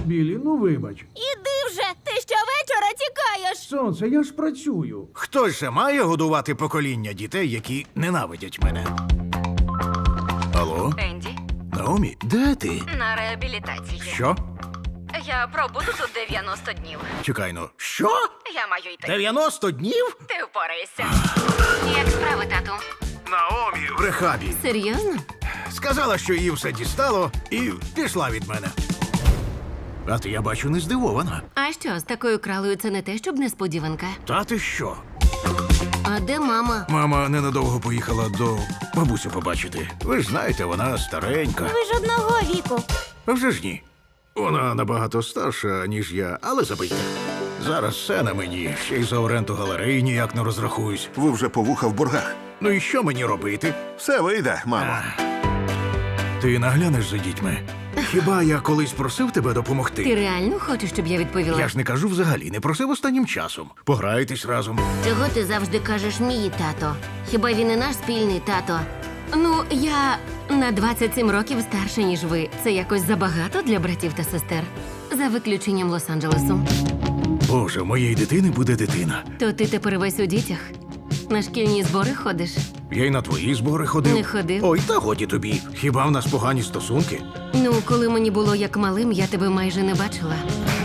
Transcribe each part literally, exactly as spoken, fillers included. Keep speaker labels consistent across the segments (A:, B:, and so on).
A: Білі, ну вибач.
B: Іди вже! Ти щовечора тікаєш!
A: Сонце, я ж працюю.
C: Хтось же має годувати покоління дітей, які ненавидять мене. Алло?
D: Енді,
C: Наомі, де ти?
D: на реабілітації.
C: Що?
D: Я пробуду тут дев'яносто днів.
C: Чекай, ну. Що?
D: Я маю йти.
C: дев'яносто днів?
D: Ти впораєшся. Як справи, тату?
C: Наомі в рехабі.
B: Серйозно?
C: Сказала, що її все дістало, і пішла від мене. А ти, я бачу, не здивована.
B: А що, з такою кралою це не те, щоб несподіванка?
C: Та ти що?
B: А де мама?
C: Мама ненадовго поїхала до бабусю побачити. Ви ж знаєте, вона старенька.
B: Ви ж одного віку.
C: А вже ж ні. Вона набагато старша, ніж я, але забийте. Зараз все на мені, ще й за оренду галереї ніяк не розрахуюсь.
E: Ви вже по вуха в боргах.
C: Ну і що мені робити?
E: Все вийде, мамо.
C: Ти наглянеш за дітьми? Хіба я колись просив тебе допомогти?
B: Ти реально хочеш, щоб я відповіла?
C: Я ж не кажу взагалі, не просив останнім часом. Пограєтесь разом.
B: Чого ти завжди кажеш мій тато? Хіба він і наш спільний тато? Ну, я на двадцять сім років старша, ніж ви. Це якось забагато для братів та сестер. За виключенням Лос-Анджелесу.
C: Боже, в моєї дитини буде дитина.
B: То ти тепер весь у дітях? На шкільні збори ходиш?
C: Я й на твої збори ходив.
B: Не ходив.
C: Ой, та годі тобі. Хіба в нас погані стосунки?
B: Ну, коли мені було як малим, я тебе майже не бачила.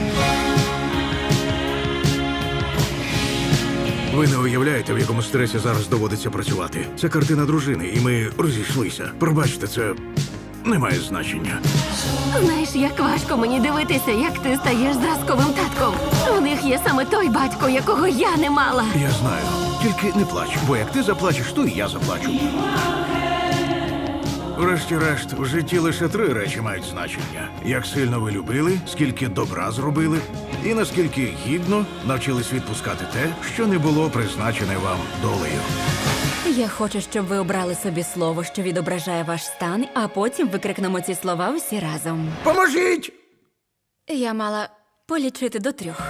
C: Ви не уявляєте, в якому стресі зараз доводиться працювати. Це картина дружини, і ми розійшлися. Пробачте, це не має значення.
B: Знаєш, як важко мені дивитися, як ти стаєш зразковим татком. У них є саме той батько, якого я не мала.
C: Я знаю. Тільки не плач, бо як ти заплачеш, то і я заплачу. Врешті-решт, в житті лише три речі мають значення: як сильно ви любили, скільки добра зробили, і наскільки гідно навчились відпускати те, що не було призначене вам долею.
F: Я хочу, щоб ви обрали собі слово, що відображає ваш стан, а потім викрикнемо ці слова усі разом.
C: Поможіть!
F: Я мала полічити до трьох.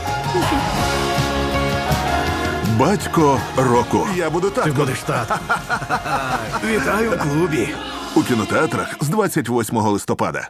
E: Батько року. Я буду
C: Ти
E: татком.
C: будеш тат. Вітаю в клубі.
E: У кінотеатрах з двадцять восьмого листопада.